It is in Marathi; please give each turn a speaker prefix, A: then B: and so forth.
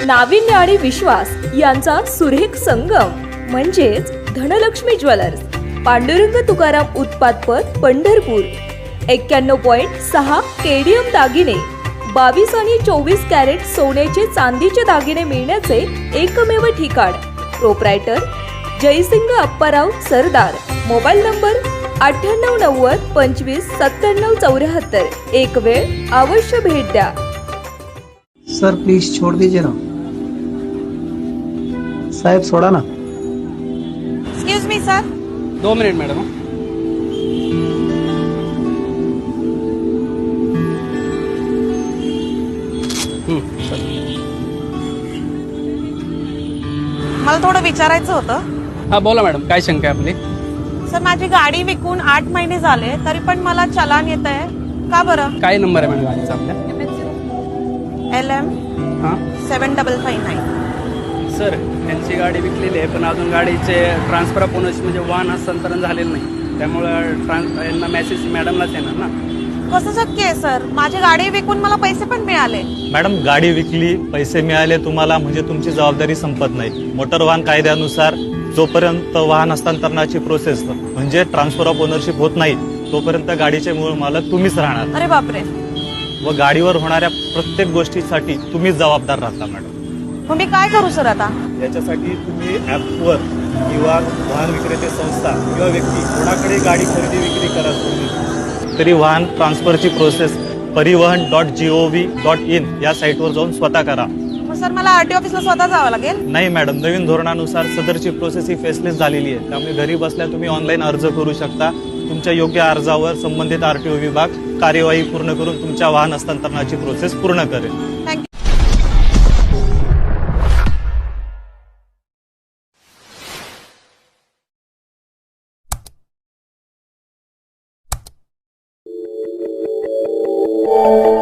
A: नाविन्य आणि विश्वास यांचा सुरेख संगम म्हणजेच धनलक्ष्मी ज्वेलर्स, पांडुरंग तुकाराम उत्पादपद, पंढरपूर. 91.6 केडीएम दागिने, 22 आणि 24 कॅरेट सोन्याचे चांदीचे दागिने मिळण्याचे एकमेव ठिकाण. Proprietor Jaysing Apparao Sardar. Mobile number 9890 25 97 74. एक वेळ अवश्य भेट द्या.
B: सर प्लीज छोड़ दीजिए ना. साहेब सोडा ना.
C: Excuse me sir.
D: 2 minute madam.
C: मला थोडं विचारायचं होतं.
D: हा बोला मॅडम, काय शंका आहे आपली?
C: सर माझी गाडी विकून 8 महिने झाले तरी पण मला चलान येत आहे का बरं?
D: काय नंबर आहे मॅडम गाडीचा आपल्या?
C: LM
D: हां
C: 7559.
D: सर, त्यांची गाडी विकलेली आहे पण अजून गाडीचे ट्रान्सफर ऑफ ओनरशिप म्हणजे वाहन हस्तांतरण झालेलं नाही, त्यामुळं यांना मेसेज मॅडमलाच येणार ना.
C: कसं शक्य आहे सर? माझी गाडी विकून मला पैसे पण मिळाले.
E: मॅडम, गाडी विकली, पैसे मिळाले तुम्हाला म्हणजे तुमची जबाबदारी संपत नाही. मोटर वाहन कायद्यानुसार जोपर्यंत वाहन हस्तांतरणाची प्रोसेस म्हणजे ट्रान्सफर ऑफ ओनरशिप होत नाही तोपर्यंत गाडीचे मूळ मालक तुम्हीच राहणार.
C: अरे बापरे.
E: व गाडीवर होणाऱ्या प्रत्येक गोष्टीसाठी तुम्हीच जबाबदार राहता मॅडम.
C: मग मी काय करू सर आता?
E: याच्यासाठी तुम्ही ॲपवर किंवा वाहन विक्रेते संस्था किंवा व्यक्ती कोणाकडे गाडी खरेदी विक्री करा तुम्ही, तरी वाहन ट्रान्सफरची प्रोसेस परिवहन.gov.in या साईटवर जाऊन स्वतः करा.
C: मग सर मला RTO ऑफिसला स्वतः जावं लागेल?
E: नाही मॅडम, नवीन धोरणानुसार सदरची प्रोसेस ही फेसलेस झालेली आहे, त्यामुळे घरी बसल्या तुम्ही ऑनलाईन अर्ज करू शकता. तुमच्या योग्य अर्जावर संबंधित RTO विभाग कार्यवाही पूर्ण करून तुमच्या वाहन हस्तांतरणाची प्रोसेस पूर्ण करेल.
C: थँक्यू.